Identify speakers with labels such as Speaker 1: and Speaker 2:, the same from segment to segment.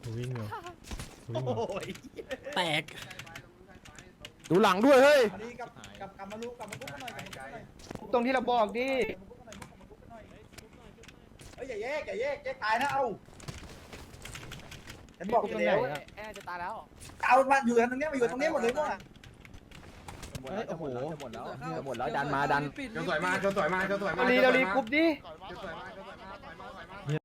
Speaker 1: วิ่งอยู่วิ่งอยู่
Speaker 2: โอ้ย
Speaker 1: แตก
Speaker 3: ดูหลังด้วยเฮ้ย
Speaker 2: อันนี้กลับมาลุกกลับมาลุกกันหน่อยกลับมาลุกกันหน่อย
Speaker 4: ตรงที่เราบอกดิ
Speaker 2: เฮ้ยอย่าแยกแยกตายนะเอาฉันบอกอยู่แล้ว
Speaker 3: แอร์จะตายแล้ว
Speaker 2: เอามาอยู่ตรงนี้มาอยู่ตรงนี้หมดเลยมั้ง
Speaker 3: โอ้โหหมดแล้วดันมาดัน
Speaker 5: เจ้าสวยมากเจ้าสวยมากเจ้าสวยมาก
Speaker 4: เราลีกรุ๊ปดิ
Speaker 5: เจ้าสวยมากเจ้าสวยมากถอยมาถอยมา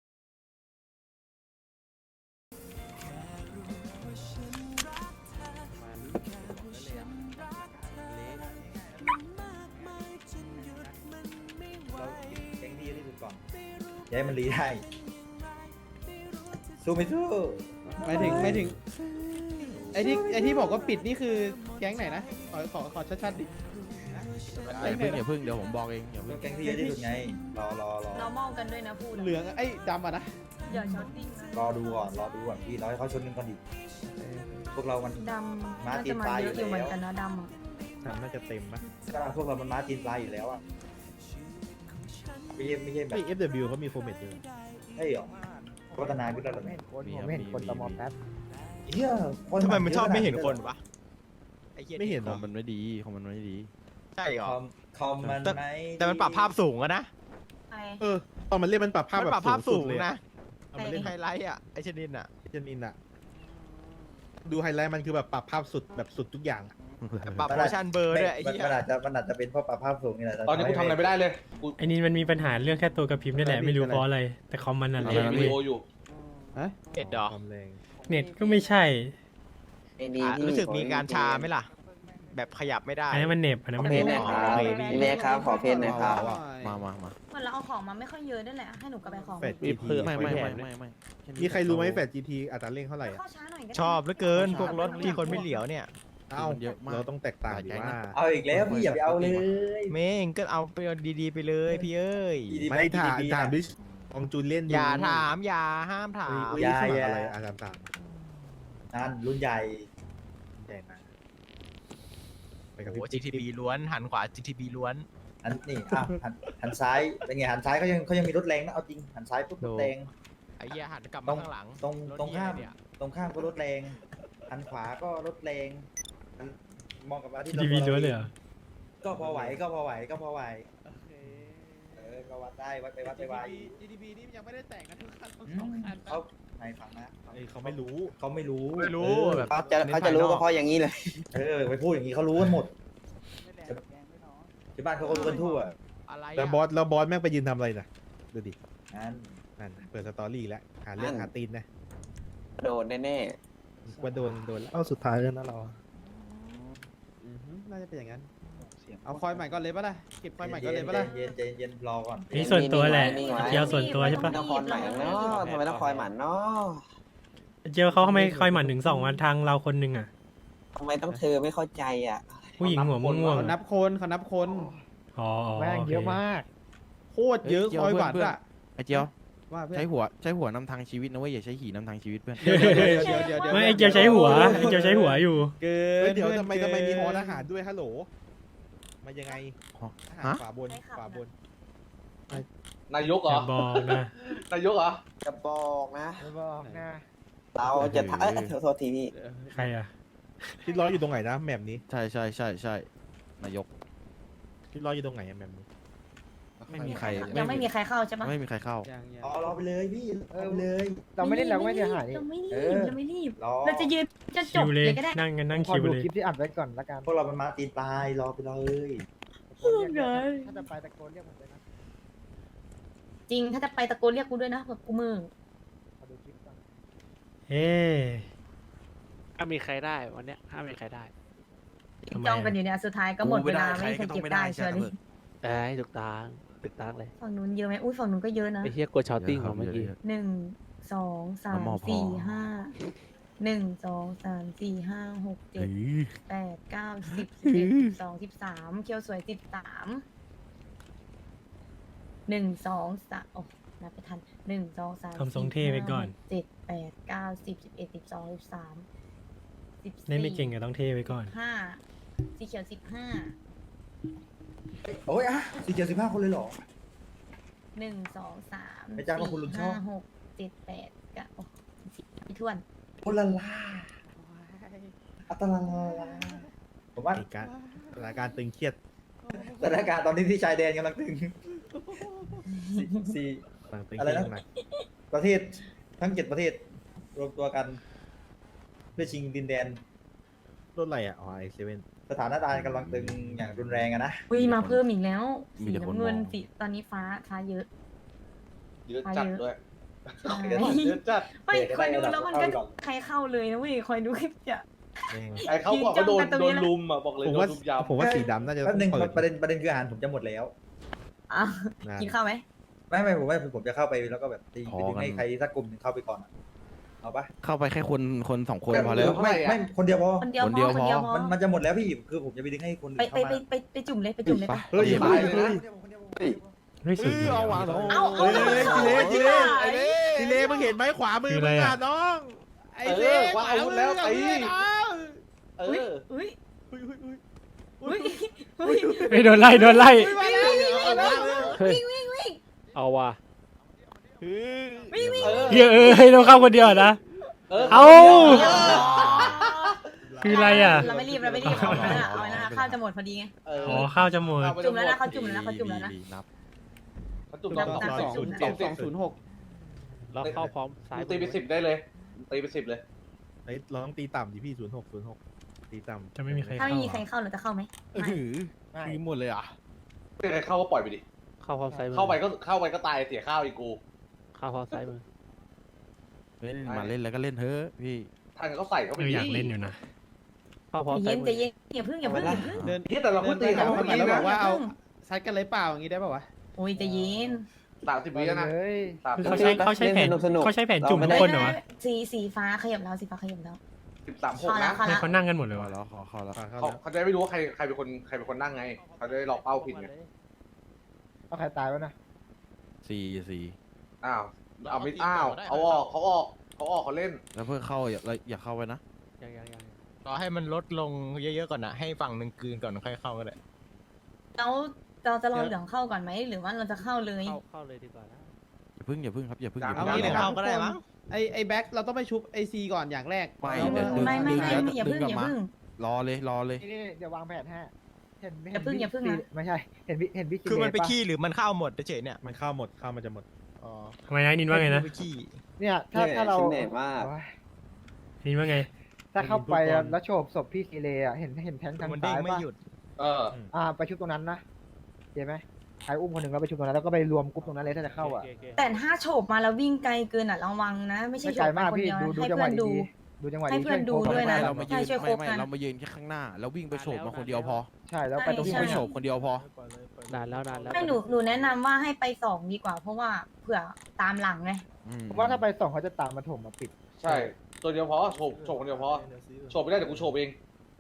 Speaker 2: แกงดีที่สุดก่อนย้ายมันรีได้สู้ไม่สู้
Speaker 4: ไม่ถึงไอ้ที่บอกว่าปิดนี่คือแก๊งไหนนะขอชัดๆดิ
Speaker 3: อย่าพึ่งเดี๋ยวผมบอกเองอย่าพึ่ง
Speaker 2: แกงที่เยอะที่สุดไงรอ
Speaker 6: เรามองกันด้วยนะพูด
Speaker 4: เหลืองไอ้ดำอ่ะนะ
Speaker 6: อย่าช็อตติ้งนะ
Speaker 2: รอดูก่อนพี่รอให้เขาชนกันก่อนดิพวกเรามัน
Speaker 6: ดำน่าจะมาเยอะอยู่เหมือนกันนะดำอ่ะ
Speaker 1: น่าจะเต็มปะ
Speaker 2: พวกเรามันม้าตีนปลายอยู่แล้วอ่ะไม่ใช่แบบ
Speaker 1: ไอ้ FW เขามีโฟร์เมตอยู่
Speaker 2: เฮ้ยหรอพัฒนาขึ้นแล้วเหรอ
Speaker 3: ผมเห็นคนตมแป๊บ
Speaker 2: เฮีย
Speaker 7: ทำไมมันชอบไม่เห็นคนวะ
Speaker 1: ไม่เห็น
Speaker 3: ข
Speaker 1: เหร
Speaker 3: อ
Speaker 1: อง
Speaker 3: มันไม่ดีของมันไม่ดี
Speaker 7: ใช่เหรอ
Speaker 2: คอมมันไหม
Speaker 7: แต่มันปรับภาพสูงอะนะ
Speaker 6: ไป
Speaker 1: ตอนมันเล่นมันปรับภาพ
Speaker 7: มัน
Speaker 1: แบบ
Speaker 7: ปรับภาพสูง
Speaker 1: เลย
Speaker 7: นะ
Speaker 1: เอามาเล่น
Speaker 7: ไฮไลท์อะไอชนินอะ
Speaker 1: เจนินอะดูไฮไลท์มันคือแบบปรับภาพสุดแบบสุดทุกอย่างอะ
Speaker 7: ปรับโมชั่นเบอร์ด้วยไอ้
Speaker 2: มัน
Speaker 7: เหี้ย
Speaker 2: มันอาจจะเป็นเพราะปรับภาพสูงนี่แหละ
Speaker 5: ตอนนี้กูทำอะไรไม่ได้เลยกู
Speaker 8: ไอ้นี่มันมีปัญหาเรื่องแค่ตัวกระพริบนี่แหละไม่รู้เพราะอะไร แต่คอมมันนั่นแห
Speaker 5: เล่
Speaker 8: ละ
Speaker 5: นวิดีโออยู่
Speaker 7: เอ็ดดอ
Speaker 1: ความแรง
Speaker 8: เน็ตก็ไม่ใช่
Speaker 7: รู้สึกมีการชาไหมล่ะ แบบขยับไม่ได้
Speaker 8: อันนั้นมันเหน็บอันนั้นมันเหน็บ
Speaker 4: เมย์ครับขอเพนหน่อยครับ
Speaker 3: มา
Speaker 6: เหมือนเราเอาของมาไม่ค่อยเยอะนั่นแหละให้หนูกลับไปของ
Speaker 1: แฟด GT
Speaker 3: ไม่
Speaker 1: มีใครรู้ไหมแฟด GT อัตราเร่งเท่าไหร่อะ
Speaker 6: เข้าช้าหน่อยก็ได้
Speaker 7: ชอบเหลือเกินพวกรถที่คนไม่เหลียวเนี่ย
Speaker 1: เอ้าเราต้องแตกต่างดีว่า
Speaker 2: เอาอีกแล้วพี่อย่าไปเอาเลย
Speaker 7: เมงก็เอาไปดีๆไปเลยพี่เอ้ย
Speaker 1: ไม่ถามดิลองจูนเล่นดู
Speaker 7: อย่าถามอย่าห้ามถาม
Speaker 1: อย่าอะไรอาจารย์ถาม
Speaker 2: นั่นรุ่นใหญ่
Speaker 1: ใหญ่นะไปกับ
Speaker 7: โอ้
Speaker 1: พี่
Speaker 7: GTB ล้วนหันขวา GTB ล้วน
Speaker 2: อันนี่อ่ะหันซ้ายเป็นไงหันซ้ายเขายังมีรถแรงนะเอาจริงหันซ้ายปุ๊บรถแรง
Speaker 7: ไอ้เหี้ยหันกลับมาข้างหลัง
Speaker 2: ตรงข้าม
Speaker 7: เนี่ย
Speaker 2: ตรงข้ามก็รถแรงหันขวาก็รถแรงมองกับอาทิตย์
Speaker 8: ทีวีล้วนเลยเหรอ
Speaker 2: ก็พอไหวก็พอไหวก็วัดได้วัดไปวัดไป
Speaker 4: GDP นี่ยังไม่ได้แต่งกันทุกคัน
Speaker 2: เขาในฝังนะ
Speaker 1: เขาไม่รู้
Speaker 2: เขาไม่รู้
Speaker 7: ไม่รู้แบบ
Speaker 4: เขาจะรู้ก็เพราะอย่างนี้เลย
Speaker 2: ไปพูดอย่างนี้เขารู้กันหมดที่บ้านเขาก็รู้กันทั่ว
Speaker 7: อะไร
Speaker 1: แล้วบอสแม่งไปยืนทำอะไรน่ะดูดิ
Speaker 2: นั่น
Speaker 1: นั่นเปิดสตอรี่แล้วหาเรื่องหาตีนนะ
Speaker 4: โดนแน่
Speaker 1: ว่าโดนแล้วเอาสุดท้ายแล้วนะเราน่าจะเป็นอย่างนั้น
Speaker 4: ๆเอาคอยใหม่ก่อนเลยปะล่ะเก็บคอยใหม่ก่อนเลยปะล่ะ
Speaker 2: เย็นรอก่อน
Speaker 8: นี่ส่วนตัวแหละเจียวส่วนตัวใช่ปะ
Speaker 4: ต้องคอยใหม่เนาะทำไมต้องคอยหมันเนาะ
Speaker 8: เจียวเขาทำไมคอยหมั่นถึง2 วันทางเราคนหนึ่งอ่ะ
Speaker 4: ทำไมต้องเธอไม่เข้าใจอ่ะ
Speaker 8: ผู้หญิงหัวม่วง
Speaker 4: เขานับคน
Speaker 8: อ๋อ
Speaker 4: แม่งเยอะมากโคตรเยอะคอยหมันอ่ะ
Speaker 3: ไอ้เจียว
Speaker 4: ว่าเพื่อน
Speaker 3: ใช้หัวนำทางชีวิตนะเว้ยอย่าใช้ขี่นำทางชีวิตเพื่อน
Speaker 4: เดี๋ยว
Speaker 8: ไม่ไอเจียวใช้หัวอยู่
Speaker 4: เกิ
Speaker 1: เฮ้ย
Speaker 4: น
Speaker 1: เดี๋ยวทำไมมีฮอทหารด้วยฮัลโหลมายังไงทหารขวาบน
Speaker 5: นายก
Speaker 8: อ
Speaker 5: เหรอ
Speaker 8: ย่าบอกนะ
Speaker 5: นายกเหรอ
Speaker 4: จะบอกนะเราจะโทษทีพี่
Speaker 8: ใครอ่ะ
Speaker 1: ที่ร้อยอยู่ตรงไหนนะแมปนี้
Speaker 3: ใช่นายก
Speaker 1: ที่ร้อยอยู่ตรงไหนอะแมปนี้
Speaker 3: ไม่มีใคร
Speaker 6: ยังไม่มีใครเข้าใช่ปะ
Speaker 3: ไม่มีใครเข้า
Speaker 2: รอไปเลยพี่รอไปเลย
Speaker 4: เราไม่ได้เราไม่เสียหาย
Speaker 6: เราไม่รี
Speaker 2: เอบ อ
Speaker 6: เราไม่รีบ
Speaker 2: รอ
Speaker 6: เราจะยืนจะจ
Speaker 8: คิ
Speaker 6: บ
Speaker 8: ว
Speaker 6: เล
Speaker 8: เลย
Speaker 6: ยก็ได้
Speaker 8: นั่งกันนั่งคิวเลย
Speaker 4: คลิปที่อัดไว้ก่อนละกัน
Speaker 2: พวกเรามันมาตีนปลายรอไปเลย
Speaker 4: ถ้าจะไปตะโกนเรียกผมเลยนะ
Speaker 6: จริงถ้าจะไปตะโกนเรียกกูด้วยนะแบบกูมือ
Speaker 4: ขอดูคลิปก่อน
Speaker 8: เฮ้
Speaker 9: ถ้ามีใครได้วันเนี้ยถ้ามีใครได้
Speaker 8: ทำไม
Speaker 6: จ้องกันอยู่เนี่ยสุดท้ายก็หมดเวลาไม่มีใครเก็บได้เชียวดิ
Speaker 9: ได้ถูกตางเลย
Speaker 6: ฝั่งนู้นเยอะไหมอุ้ยฝั่งนู้นก็เยอะนะ
Speaker 9: ไอ้เฮียกลัวช็อตติ้งของเมื่อกี้
Speaker 6: 1 2 3 4 5 1 2 3 4 5 6 7 8 9 10 11 12 13เคียวสวย13 1 2 3โอ้นับไปทัน1 2 3
Speaker 8: ทำทรงเท่ไว้ก่อน
Speaker 6: 7 8 9 10 11 12 13 14
Speaker 8: เล่นไม่เก่งก็ต้องเท่ไว้ก่อน
Speaker 6: 5สีเขียว15
Speaker 2: โอ้ยสี่เจ็ด15 คนเลยเหรอ
Speaker 6: 1 2 3
Speaker 2: ไม่จ้างว่าคุณลุงชอบ
Speaker 6: 5 6 7 8 9โอ้10 ถ้วน
Speaker 2: โอลาลาอัตลาลาลาผมว่า
Speaker 1: เหตุการณ์สถานการณ์ตึงเครียด
Speaker 2: สถานการณ์ตอนนี้ที่ชายแดนกำลังตึงสี่
Speaker 1: กำลังตึง
Speaker 2: อะไร
Speaker 1: เครีย
Speaker 2: นะ
Speaker 1: ดหนัก
Speaker 2: ประเทศทั้ง7 ประเทศ รวมตัวกัน เพื่อชิงดินแดน
Speaker 1: รถอะไรอ่ะอ๋อไอเซเว่น
Speaker 2: สถานการณ์กำลังตึงอย่างรุนแรงอะนะ
Speaker 6: อุ้ยมาเพิ่มอีกแล้วสีน้ำเงินสีตอนนี้ฟ้าเยอะ
Speaker 5: เยอะจัดด้วย
Speaker 6: ใช่
Speaker 5: เยอะจัด
Speaker 6: ไม่คอยดูแล้วมันก็ใครเข้าเลยนะเว้ยคอยดูคลิปจะ
Speaker 5: ไอ้เขาบอกว่าโดนลุมอ่ะบอกเลย
Speaker 1: ผม
Speaker 5: โด
Speaker 1: ว่าน
Speaker 5: ลุมยาว
Speaker 1: ผมว่าสีดำน่าจะ
Speaker 2: แป๊บนึง
Speaker 1: เปิด
Speaker 2: ประเด็นคืออาหารผมจะหมดแล้ว
Speaker 6: อ่ะ
Speaker 1: นะ
Speaker 6: กินข้าวไหม
Speaker 2: ไม่ผมว่าผมจะเข้าไปแล้วก็แบบไปดึงให้ใครสักกลุ่มหนึงเข้าไปก่อนอะเอาปะ
Speaker 3: เข้าไปแค่คน2 คนพอแล้ว
Speaker 2: ไม่คนเดียวพอ
Speaker 6: คนเดียว
Speaker 3: คน
Speaker 6: พ
Speaker 3: เดี
Speaker 6: อ
Speaker 3: ยว
Speaker 6: คนเดียวพอ
Speaker 2: มันจะหมดแล้วพี่คือผมจะไปดึงให้คน
Speaker 6: ไป
Speaker 2: อื่น
Speaker 6: ไป
Speaker 2: เข้ามา
Speaker 6: ไปจุ่มเลยไปจุ่มเลยปะ
Speaker 1: เฮ้ย
Speaker 5: ไปเลยนะ
Speaker 8: เฮ้ยสุดเลย
Speaker 1: เอาว่ะ
Speaker 8: อะ
Speaker 1: น้อง
Speaker 6: เอา
Speaker 1: เฮ้ย
Speaker 6: เอา
Speaker 1: จิเล่จิเล่มึงเห็นไหมขวามือ
Speaker 8: คือ
Speaker 1: มึ
Speaker 8: อะไร
Speaker 1: ง
Speaker 8: อะ
Speaker 1: อ่ะน้องไอเล่
Speaker 5: ว่าอาวุธแล้วตี เอ
Speaker 6: อุ้ย
Speaker 5: อ
Speaker 6: อุ้ย
Speaker 1: อุ้ย
Speaker 6: อุ้ยอุ้ย
Speaker 8: เฮ้ยโดนไล่โดนไล่
Speaker 6: วิ่งวิ่งวิ่ง
Speaker 9: เอาว่ะ
Speaker 6: วิ่งวิ่ง
Speaker 8: เฮ้ยเฮ้ยต้องเข้าคนเดียวเหรอนะ เอา คืออะไรอ่ะ
Speaker 6: เราไม่รีบเอาไว้นะข้าวจะหมดพอดีไง
Speaker 8: อ๋อข้าวจะหมด
Speaker 6: จุ่มแล้วนะเขาจุ่มแล้วนะเขาจุ่มแล้วนะ
Speaker 5: เขาจุ่ม
Speaker 6: นั
Speaker 5: ต
Speaker 6: บ
Speaker 5: อน
Speaker 6: นับ
Speaker 4: 20206
Speaker 9: เราเข้าพร้อมซ้าย
Speaker 5: ตีไป10ได้เลยตีไป10เลย
Speaker 1: เฮ้ยเราต้องตีต่ำดิพี่06ตีต่ำ
Speaker 8: จะไม่มีใคร
Speaker 6: ถ้า
Speaker 8: เข้า
Speaker 6: ไม่มีใคร
Speaker 8: อ่ะ
Speaker 6: เข้าเราจะเข้าไหมไม่
Speaker 3: คือหมดเลยอ่ะ
Speaker 5: ไม่ใครเข้าก็ปล่อยไปดิ
Speaker 9: เข้าพร้อมซ้ายมือ
Speaker 5: เข้าไปก็ตายเสียข้าวอีกกู
Speaker 9: เข้าพร้อมซ้ายมือ
Speaker 3: เล่นมาเล่นแล้วก็เล่นเถอะพี่
Speaker 5: ทางเขาใส่เข้าไป
Speaker 8: อยากเล่นอยู่นะ
Speaker 9: เข้าพร้อมซ้า
Speaker 6: เย็
Speaker 9: ย
Speaker 6: น
Speaker 9: มื
Speaker 6: ใจ
Speaker 9: อ
Speaker 6: เย็นอย่าพึ่งอย่าพึ่งอย่าพึ่ง
Speaker 4: เดิน
Speaker 5: ที่แต่เรา
Speaker 4: เดิ
Speaker 5: พูด
Speaker 4: น
Speaker 5: ตี
Speaker 4: ไปหา
Speaker 5: เขา
Speaker 4: คน
Speaker 5: เมื่อ
Speaker 4: อื่น
Speaker 5: กี้
Speaker 4: แล้วบ
Speaker 5: นะ
Speaker 4: อกว่าเอาซัดกันเลยเปล่าอย่างงี้ได้ป่าวะ
Speaker 6: โอ้ยใจเย็น
Speaker 5: 30 วิแล้วนะ
Speaker 8: คือเขาใช้แผนเขาใช้แผนจุ่มทุกคนเหรอวะ
Speaker 6: สีฟ้าขยับแล้วสีฟ้าขยับแล้ว
Speaker 5: 13-6นะ
Speaker 6: เข้า
Speaker 8: ให้
Speaker 6: แล้ว
Speaker 8: เขานั่งกันหมดเลยวะ
Speaker 3: แล้วขอแล้ว
Speaker 5: เขาจะได้ไม่รู้ว่าใครเป็นคนนั่งไงเขาจะได้หลอกเป้าผิดไง
Speaker 4: เอาใครตายวะนะ
Speaker 3: สี่
Speaker 5: อ้าวเอาไม่อ้าวเขาออกเขาเล่น
Speaker 3: แล้วเพื่อเข้าอย่าเข้าไปนะ
Speaker 9: ยัง
Speaker 7: รอให้มันลดลงเยอะๆก่อนนะให้ฝั่งหนึ่งกลืนก่อนค่อยเข้าก็ได้
Speaker 6: แล้วเราจะรอเหลืองเข้าก่อนไหมหรือว่าเราจะเข้าเลย
Speaker 9: เข้าเลยดีกว่านะ
Speaker 3: อย่าพึ่งครับอย่าพึ่ง
Speaker 4: เอางี้เลยครับ
Speaker 7: เข้าก็ได้มั้ง
Speaker 4: ไอ้แบ็คเราต้องไปชุบไอซีก่อนอย่างแรก
Speaker 3: ไม่
Speaker 4: เรา
Speaker 3: เดี๋ยวดึง
Speaker 6: ไม่
Speaker 3: ดึง
Speaker 6: อย่า
Speaker 3: ดึ
Speaker 6: พึ่
Speaker 3: ง
Speaker 6: ง
Speaker 3: กลับ
Speaker 6: อย่า
Speaker 3: มา
Speaker 6: พึ่ง
Speaker 3: รอเลย
Speaker 4: นี่เดี๋ยววางแผนให้เห็น
Speaker 6: อย่าพึ่งอย่าพึ่งนะ
Speaker 4: ไม่ใช่เห็นพี่
Speaker 7: คือมันไปขี้หรือมันเข้าหมดเฉยๆเนี่ย
Speaker 1: มันเข้าหมดเข้ามันจะหมด
Speaker 7: อ๋อ
Speaker 8: ทำไมนะนินว่าไงนะ
Speaker 7: ไปขี้
Speaker 4: เนี่ยถ้าเรา
Speaker 8: นินว่าไง
Speaker 4: ถ้าเข้าไปแล้วโฉบศพพี่ซีเลอ่ะเห็นแทงทาง
Speaker 7: มันเด้
Speaker 4: ซ้าง ย
Speaker 7: ไม่
Speaker 4: ป่ะ
Speaker 7: หยุด
Speaker 4: ไปชุบตรงนั้นนะเห็นไหมใครอุ้มคนหนึ่งแล้วไปชุบตรงนั้นแล้วก็ไปรวมกลุ่มตรงนั้นเลยถ้าจะเข้าอ่ะ
Speaker 6: แต่ถ้าโฉบมาแล้ววิ่งไกลเกินอ่ะระวังนะ ไม่ใช่
Speaker 4: ไม่
Speaker 6: โฉ
Speaker 4: ไกล
Speaker 6: บไป
Speaker 4: มาก
Speaker 6: คน
Speaker 4: พี่
Speaker 6: เดียว
Speaker 4: ดู
Speaker 6: ให้
Speaker 4: จังห
Speaker 6: เพื่
Speaker 4: วะ
Speaker 6: อนดู
Speaker 4: ดีๆดูจังหวะ
Speaker 6: ให้
Speaker 4: ดี
Speaker 6: เพื่อนดู ด้วยนะ
Speaker 3: เรามายืน
Speaker 6: ใช่ช่วยโค
Speaker 3: ไม่
Speaker 6: กัน
Speaker 3: เรามายืนแค่ข้างหน้า แล้ววิ่งไปโฉบมาคนเดียวพอ
Speaker 4: ใช่แล้วไปตรง
Speaker 3: วิ่ง
Speaker 4: ที่
Speaker 3: ไปโฉบคนเดียวพอ
Speaker 9: นานแล้ว
Speaker 6: ไม่หนูแนะนำว่าให้ไป2ดีกว่า เพราะว่าเผื่อตามหลังไง
Speaker 4: ผมว่าถ้าไปส่องเขาจะตามมาถมมาปิด
Speaker 5: ใช่ตัวเดียวพอโฉบคนเดียวพอโฉบไม่ได้เดี๋ยวกูโฉบเอง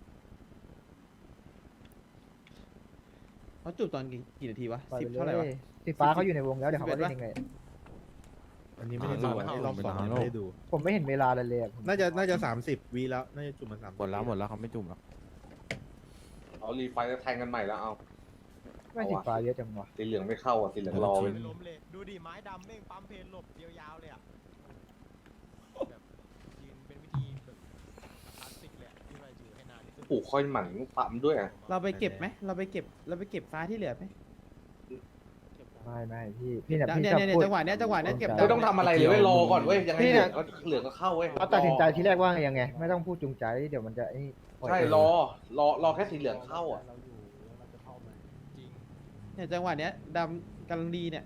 Speaker 4: เขาจุดตอนกี่นาทีวะ ปล่อย 10 ไปเท่าไหร่วะเลยสีฟ้าเขาอยู่ในวงแล้วเดี๋ยวเขาก็เล่นเองเลย
Speaker 1: อันนี้ไม่ได้ดูอันนี้รอบ2ยังไม่ได้ดู
Speaker 4: ผมไม่เห็นเวลาเลยอะ
Speaker 1: น่าจะ30 วิแล้วน่าจะจุ่มมา30
Speaker 3: หมดแล้วเขาไม่จุ่มแล้ว
Speaker 5: เอารีไฟแล้วแทงกันใหม่แล้วเอา
Speaker 4: ไม่สีฟ้าเยอะจังวะ
Speaker 5: สีเหลืองไม่เข้าอ่ะสีเหลืองรอ
Speaker 7: ไม่ล้มเลยดูดิไม้ดำแม่งปั๊มเพลหลบยาวๆเลยอ่ะแบบยืนเป็นวิธีแบบคลาสสิกเลยอะที่ว่าอยู่ให้นานที่สุด
Speaker 5: ปลูกค่อยหมั่นปั๊มด้วยอ่ะ
Speaker 4: เราไปเก็บไหมเราไปเก็บฟ้าที่เหลือไหมไม่พี่เนี่ยพี่
Speaker 6: เนี่ย
Speaker 4: จังหวะเนี้ยเก็บ
Speaker 5: ไม่ต้องทำอะไรเลยเว้ยรอก่อนเว้ยยังไงเหลืองก็เข้าเว้ย
Speaker 4: เขาตัดสินใจทีแรกว่ายังไง ไม่ต้องพูดจูงใจเดี๋ยวมันจะไอ้
Speaker 5: ใช่รอแค่สีเหลืองเข้าอ่ะ
Speaker 7: จริง
Speaker 4: เนี่ยจังหวะเนี้ยดำกำลังดีเนี่ย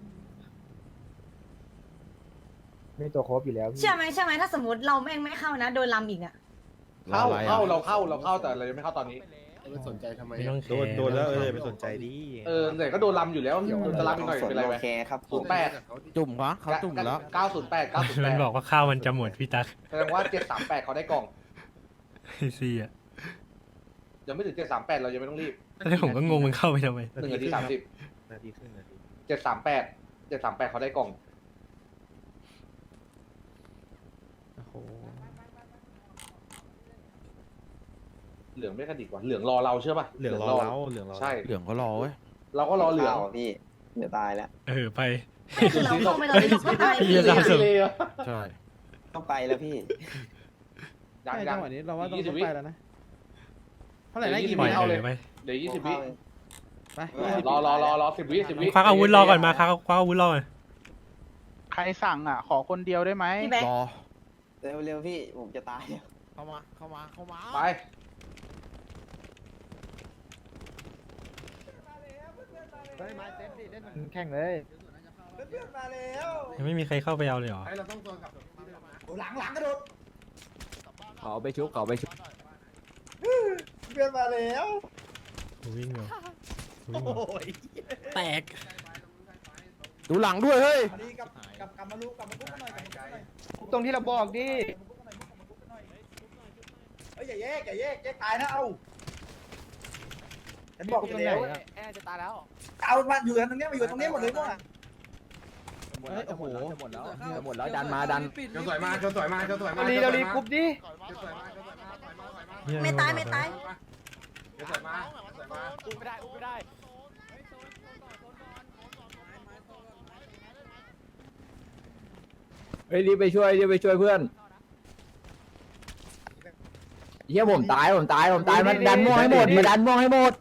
Speaker 4: มีตัวโคบอยู่แล้ว
Speaker 6: เชื่อไหมถ้าสมมติเราแม่งไม่เข้านะโดนลำอีกอ่ะ
Speaker 5: เข้าเราเข้าแต่เรายังไม่เข้าตอนนี้
Speaker 3: ไม่สนใจทำไม
Speaker 8: ไม่ต้องแคร์
Speaker 1: โดนแล้วไปสนใจดิ
Speaker 5: แต่ก็โดนลำอยู่แล้วจะลำอีกหน่อยเป็นไรไหม08
Speaker 3: จุ่มเขาจุ่มแล้ว
Speaker 5: 908
Speaker 8: มันบอกว่าข้าวมันจะหมดพี่ตั๊ก
Speaker 5: แสดงว่า738เขาได้กล่อง
Speaker 8: ไอซีอ่ะ
Speaker 5: ยังไม่ถึง738เรายังไม่ต้องรีบ
Speaker 8: แล้วผมก็งงมันเข้าไปทำไม
Speaker 5: 1 นาที 30
Speaker 1: นาทีครึ่งนาที
Speaker 5: 738เขาได้กล่อง
Speaker 4: โอ้โห
Speaker 5: เหลืองไม่กระดิกว่ะเหลืองรอเราเชื่อป่ะ
Speaker 1: เหลืองรอเรา
Speaker 5: ใช่
Speaker 3: เหลืองก็รอเว้ย
Speaker 5: เราก็รอเหลือง
Speaker 2: พี่เดี๋ยวตายแล้ว
Speaker 8: ไป
Speaker 6: คือเราเข้าไม่เราไม่เข้าไป
Speaker 8: พี่จะทำสุด
Speaker 3: ใช่ต้องไปแล้วพี่
Speaker 4: ใช่จังหวะนี้เราว่าต้อง
Speaker 5: 20
Speaker 4: ไปแล้วนะเท่าไหร่นะกี่
Speaker 8: ปล่
Speaker 4: วิ
Speaker 8: อย
Speaker 4: เอา
Speaker 8: เล
Speaker 4: เลย
Speaker 8: ยไป
Speaker 5: เดี๋ยว20 วิ
Speaker 4: ไป
Speaker 5: รอ10 วิ10 วิ
Speaker 8: ควักอาวุธรอก่อนมาควักอาวุธรอก่อน
Speaker 9: ใครสั่งอ่ะ ขอคนเดียวได้ไหม
Speaker 6: พี่แบ๊ก
Speaker 3: เร็วพี่ผมจะตาย
Speaker 7: เข้ามา
Speaker 5: ไป
Speaker 4: แข่งเลย
Speaker 2: เพื่อนมาแล้ว
Speaker 8: ยังไม่มีใครเข้าไปเอาเลยเหรอ
Speaker 2: หลังกระโดด
Speaker 3: ขอไปชุบขอไปชุบ
Speaker 2: เพื่อนมาแล้ว
Speaker 8: วิ่งเหรอวิ่งเหร
Speaker 2: โอ้
Speaker 8: อย แตก
Speaker 3: ดูหลังด้วยเฮ้ย
Speaker 2: อันนี้กลับมาลูกกลับมาคุกกันหน่อยกลับมาคุกกันหน่อย
Speaker 4: ตรงที่เราบอกดิ
Speaker 2: เฮ้ยอย่าแยกตายนะเอาฉันบอกอยู่แล้ว
Speaker 7: แอร์จะตายแล้ว
Speaker 2: เอามาอยู่ตรงนี้มาอยู่ตรงนี้หมดเลยพวก
Speaker 4: เฮ้ยโอ้โห
Speaker 3: หมดแล้วดันมาดัน
Speaker 5: เจ้าสวยมาเจ้าสวยมาเจ้าสวยมา
Speaker 4: เรารีกรุ๊ปดิ
Speaker 6: ไม่ตายไม่ตาย
Speaker 5: เจ้าสวยมาเจ้าสวยมา
Speaker 7: อุ้มไม่ได้
Speaker 3: เฮ้ยรีบไปช่วยเพื่อนเฮียผมตายมันดันม่วงให้หมดมาดันม่วงให้หมด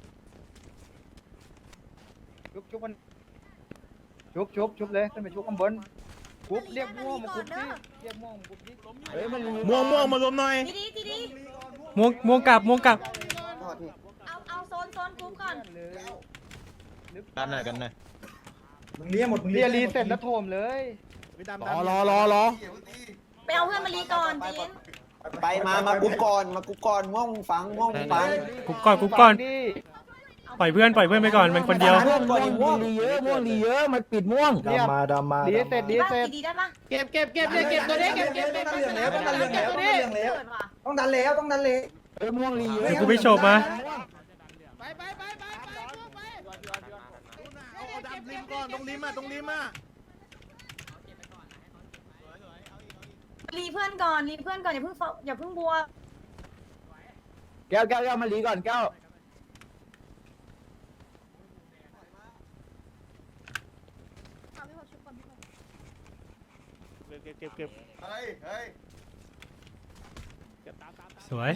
Speaker 4: ชุบมันชุบเลยขึ้นไปชุบข้างบนกรุ๊ปเรียกม่วงมากรุ๊ปดิเรียกม่วงมากรุ๊ปดิ
Speaker 3: เฮ้ยมัน
Speaker 1: ม่วงมารวมหน่อย
Speaker 6: ทีดี
Speaker 8: ม่วงกลับ
Speaker 6: เอาโซนกรุ๊ปก่อน
Speaker 7: กันหน่อย
Speaker 2: มึงเลี้ยหมดมึง
Speaker 4: เรี
Speaker 2: เลี้
Speaker 4: ย
Speaker 2: ย
Speaker 4: รีเสร็จแล้วโถมเลย
Speaker 1: รอ
Speaker 6: ไปเอาเพื่อนมารีก่อนจีน
Speaker 3: ไปมากุ๊กก่อนม่วงฟัง
Speaker 8: กุ๊กก่อนปล่อยเพื่อนไปก่อนมันคนเดียว
Speaker 3: ม่วงดีเยอะมันปิดม่วง
Speaker 4: ดำมารีเสร็จ
Speaker 6: ดีได้ปะ
Speaker 4: เก็บเลยเก็บตัวนี้เก็บ
Speaker 2: ต้องดันแล้ว
Speaker 3: ม่วงดีเยอะ
Speaker 8: เดี๋ยวกูไปโฉบมา
Speaker 1: เอาดำริมก่อนตรงริมอ่ะ
Speaker 6: รีเพื่อนก่อนอย่าเพิ่งบัว
Speaker 3: แก้วมาลีก่อนแก้ว
Speaker 9: เก็บ
Speaker 8: สวย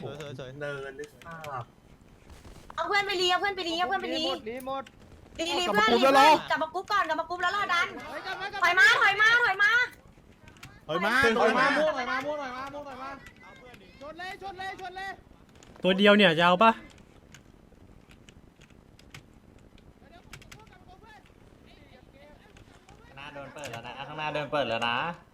Speaker 6: เอาเพื่อนไปรีรีเพื่อน
Speaker 4: รีหมด
Speaker 6: รีเพื่อนกลับมากรุ๊ปแล้วรอดันถอยมา
Speaker 1: ถอยมา
Speaker 4: ม่วงชนเลย
Speaker 8: ตัวเดียวเนี่ยจะเอาปะ
Speaker 3: ข้างหน้าเดินเปิดแล้วนะ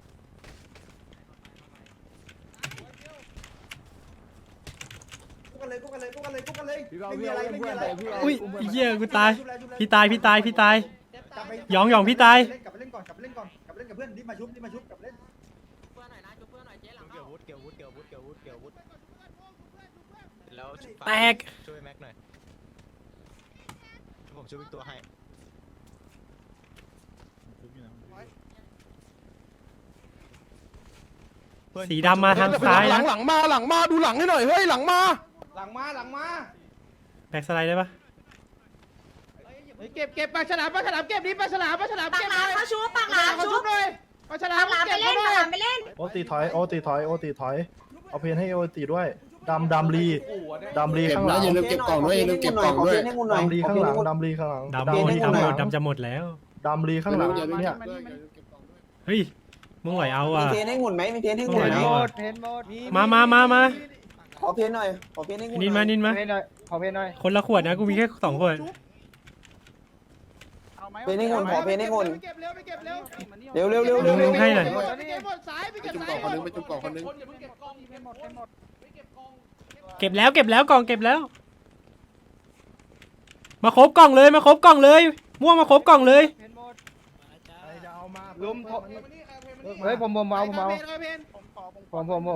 Speaker 2: กุ๊กกันเลยไม่มีอะไร
Speaker 8: อุ้ยเหี้ยกูตายพี่ตายหยองพี่ตาย
Speaker 2: กลับไปเล่นก่อนกลับไปเล่นกับเพื่อนรีบมาชุบกลับเล่น
Speaker 7: เกี่ยววุฒิแล้ว
Speaker 8: แตก
Speaker 7: ช่วยแม็กหน่อยผมช่วยอีกตัวให้
Speaker 8: สีดำมาทางซ้ายนะ
Speaker 3: หลังมาดูหลังให้หน่อยเฮ้ยหลังมา
Speaker 8: แบ็กสไลด์ได้ปะ
Speaker 4: เก็บปลาฉลามเก็บดิปลาฉลาม
Speaker 6: ปากหลามเขาชุบปากหลาม
Speaker 4: เขา
Speaker 6: ชุ
Speaker 4: ชุ
Speaker 6: บบ
Speaker 4: เลยปลาฉลาม
Speaker 6: ปากหลามไปเล่นปากหลามไปเล่น
Speaker 10: โอตีถอยเอาเพนให้โอตีด้วยดำลีข้างหลัง
Speaker 3: เก็บกล่องด้วยเก็บกล่องด้วย
Speaker 10: ดำลีข้างหลังดำลีข้างหลัง
Speaker 8: ดำจะหมดแล้ว
Speaker 10: ดำลีข้างหลังเนี่ย
Speaker 8: เฮ้ยมึงไหวเอาอ่ะ
Speaker 3: มีเพนให้หุ่นไหม
Speaker 8: ไหว
Speaker 4: เพ
Speaker 8: เอา
Speaker 4: นหม
Speaker 8: อ่ะ
Speaker 4: ดเพนหมด
Speaker 8: มา
Speaker 3: ขอเพนหน่อยขอเพนให้หุ่น
Speaker 8: นินมา
Speaker 4: เพนหน่อยขอเพนหน่อย
Speaker 8: คนละขวดนะกูมีแค่2 ขวด
Speaker 3: เพนให้หุ่นขอเพนให้หุ่น
Speaker 4: เก็บเร็ว
Speaker 8: ลุงให้หน่อย
Speaker 4: หมดสายไปเก็บสาย
Speaker 5: ไปจุ่มกล่องคนนึง
Speaker 8: เก็บแล้วกล่องเก็บแล้ว มาครบกล่องเลยม่วงมาครบกล่องเลย
Speaker 4: เพนหมดลุมเฮ้ยผมเอาผม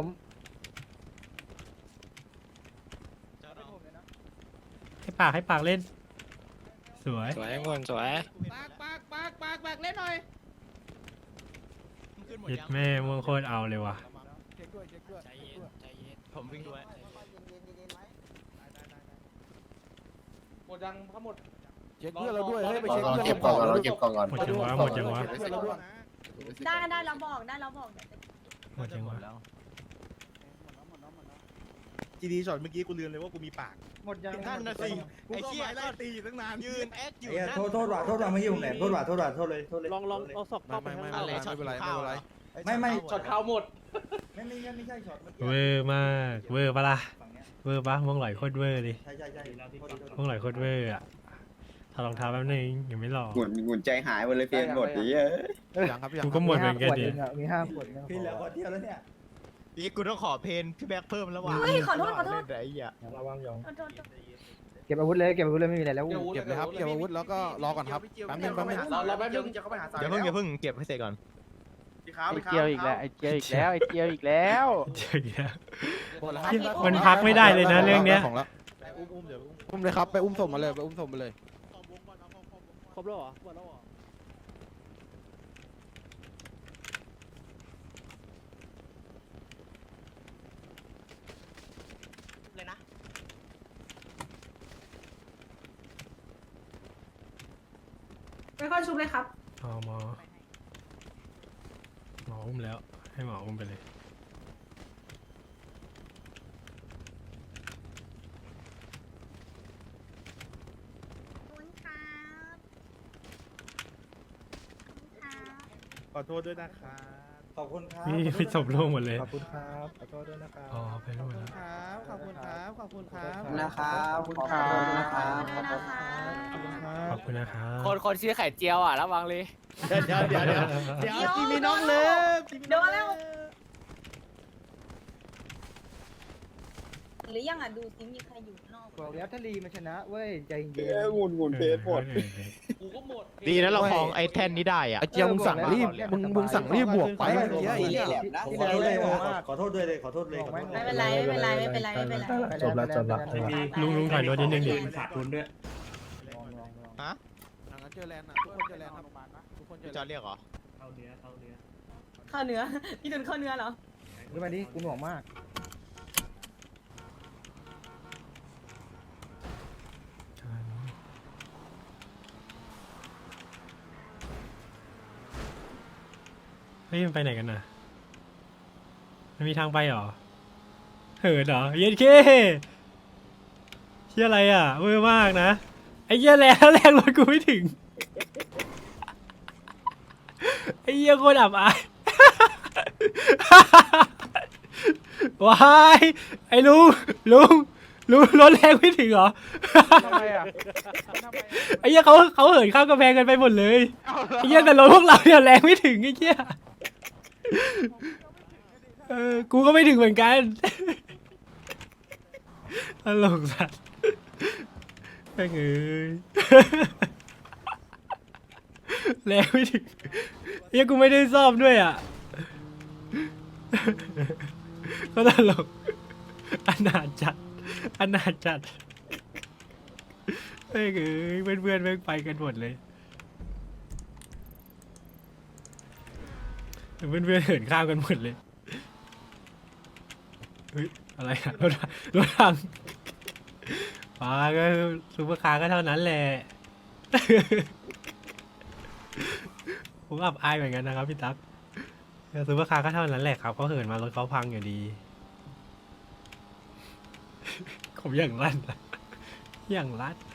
Speaker 8: ให้ปากเล่นสวย
Speaker 9: สวยงวนสวย
Speaker 4: ปากเล่นหน่อย
Speaker 8: ยึดแม่ม่วงโคตรเอาเลยว่ะ
Speaker 7: ผมวิ่งด้วย
Speaker 5: หมดยังทั้งหมด
Speaker 3: เช็คเพื่อนเราด้วยเฮ้ยไปเช็ค
Speaker 5: เก็บกล่องก่อน
Speaker 8: หมดจังวะ
Speaker 6: ได้เราบอก
Speaker 8: หมดยังวะ
Speaker 1: จีดีช็อตเมื่อกี้กูลืมเลยว่ากูมีปาก
Speaker 4: หมดยัง
Speaker 7: นั่นน่ะสิ
Speaker 1: กู
Speaker 7: ไอ้
Speaker 1: ก็
Speaker 7: เชี่ย
Speaker 1: ไล่ตีอยู่ตั้งนาน
Speaker 7: ยืนแอคอยู่
Speaker 2: ไอ้เหี้ย
Speaker 7: นั่น
Speaker 2: โทษว่ะเมื่อกี้ผมแหลมโทษว่ะโทษเลยโทษเลย
Speaker 9: ลองเอาศพเข้าไปข้างใน
Speaker 7: อะไรช็อตข้าวเหรอ
Speaker 2: ไม่
Speaker 5: ช็อตข่าวหมด
Speaker 2: ไม่ใช่ช็อตเมื่อกี้
Speaker 8: เวอร์มากเวอร์ปะล่ะ
Speaker 2: ฝั่งเนี้ย
Speaker 8: เวอร์ปะมองหลอยโคตรเวอร์ดิ
Speaker 2: ใช่โทษดี
Speaker 8: มองหลอยโคตรเวอร์อะถอดรองเท้าแป๊บนึงยังไม่หล่อ
Speaker 3: หมุนใจหายหมดเลยเพียงหมดดิ
Speaker 1: ยังครับยัง
Speaker 8: กูก็หมดเหมือนกันดิ
Speaker 4: มี5 ขวดเนี่ย
Speaker 2: พี่แล้วคนเดียวแล้วเนี่ย
Speaker 7: นี่กูต้องขอเพนพี่แบ็คเพิ่มแล้วว่ะ
Speaker 6: เฮ้ยขอโทษ
Speaker 7: เล่นแต่ไอ้เหี้ย
Speaker 10: ระวังหยอง
Speaker 6: ขอโทษ
Speaker 4: เก็บอาวุธเลยไม่มีอะไรแล้ว
Speaker 1: เก็บเลยครับเก็บอาวุธแล้วก็รอก่อนครับแป๊บนึง
Speaker 5: เราแป๊บนึง
Speaker 7: อย่าเพิ่งเก็บให้เสร็จก่อน
Speaker 9: ไอเจียวอีกแล้วไอเจียวอีกแล้วไอเจียวอีกแล้ว
Speaker 8: เจออีกแล้ว
Speaker 1: หมดแล้ว
Speaker 8: มันพักไม่ได้เลยนะเรื่องเนี้ย
Speaker 1: ของแล้วอุ้มเดี๋ยวอุ้มเลยครับไปอุ้มศพมาเลยไปอุ้มศพมาเลย
Speaker 9: ครบแล้วเหรอหมดแล้วเหรอ
Speaker 7: เลยนะ
Speaker 6: ไม่ค่อยชุบเลยครับ
Speaker 8: หมออุ้มแล้วให้หมออุ้มไปเลย
Speaker 1: ขอโทษด้วยนะครับ
Speaker 2: ขอบคุณครับ
Speaker 8: นี่พี่ศพร่วงหมดเลย
Speaker 10: ขอบคุณครับขอโทษด้วยนะครับ
Speaker 8: อ๋อไปร่วงแล้ว
Speaker 1: ครับขอบคุณครับขอบคุณครับ
Speaker 3: นะครับขอบคุณนะครับ
Speaker 8: ขอบคุณนะครับ
Speaker 9: คนชื่อไข่เจียวอ่ะระวังเลย
Speaker 1: เดี๋ยวจีมีน้องเลิฟ
Speaker 6: โดนแล้ว หรือยังอ่ะดูซิมีใครอยู่นอก
Speaker 4: บอกแล้วถ้าลีมันชนะเว้ยใจเย็น
Speaker 3: หมุนเพจหมด
Speaker 5: กูก็หมด
Speaker 7: ดีนะเราคลองไอ้แท่นนี้ได้อ่ะ
Speaker 1: ไอ้เจียวมึงสั่งรีบมึงสั่งรีบบวกไปเมื่อกี้ไอ้เนี่ย
Speaker 2: ผมขอโทษเลยขอโทษด้วยเลยขอโทษเลย
Speaker 6: ไม่เป็นไรไม่เป็นไรไม่เป็นไรไม่เป็นไร
Speaker 10: จบแล้ว
Speaker 8: ลุงถอยรถนิดนึงดิ
Speaker 7: ฮะ
Speaker 1: งั้นเจอแลนด์นะทุกคนเจอแลนด์ครับทุกคนเจ
Speaker 7: พี่
Speaker 1: อ
Speaker 7: จอร์จเรียกเหรอ
Speaker 6: เข้าเนื้อพี่ดุนเข้าเนื้อเหรอ
Speaker 4: ขึ้นมาดิกูหน่วงมาก
Speaker 8: เฮ้ยมันไปไหนกันน่ะมันมีทางไปเหรอเหินเหรอเย็นเคเชี่ยอะไรอ่ะเวอร์มากนะไอ้เหี้ยแรงรถกูไม่ถึงไอ้เหี้ยโคตรอับอาย ว้ายไอ้ลุงรถแรงไม่ถึงเหรอ
Speaker 9: ทำไมอ่ะ
Speaker 8: ไอ้เหี้ยเขาเหินข้ามกำแพงกันไปหมดเลยไอ้เหี้ยแต่รถพวกเราเนี่ยแรงไม่ถึงไอ้เหี้ยกูก็ไม่ถึงเหมือนกันตลกสัสแม่งเอ้ยแรงไม่ถึงเหี้ยกูไม่ได้ซ่อมด้วยอ่ะก็ตลกอนาถจัดแม่งเอ้ยเพื่อนแม่งไปกันหมดเลยเพื่อนเหินข้ามกันหมดเลยเฮ้ยอะไรอะรถถังป้าก็ซูเปอร์คาร์ก็เท่านั้นแหละ ผมอับอายเหมือนกันนะครับพี่ตั๊กซูเปอร์คาร์ก็เท่านั้นแหละครับเขาเหินมารถเขาพังอยู่ดี ผมอย่างลั่นอะอย่างลั่น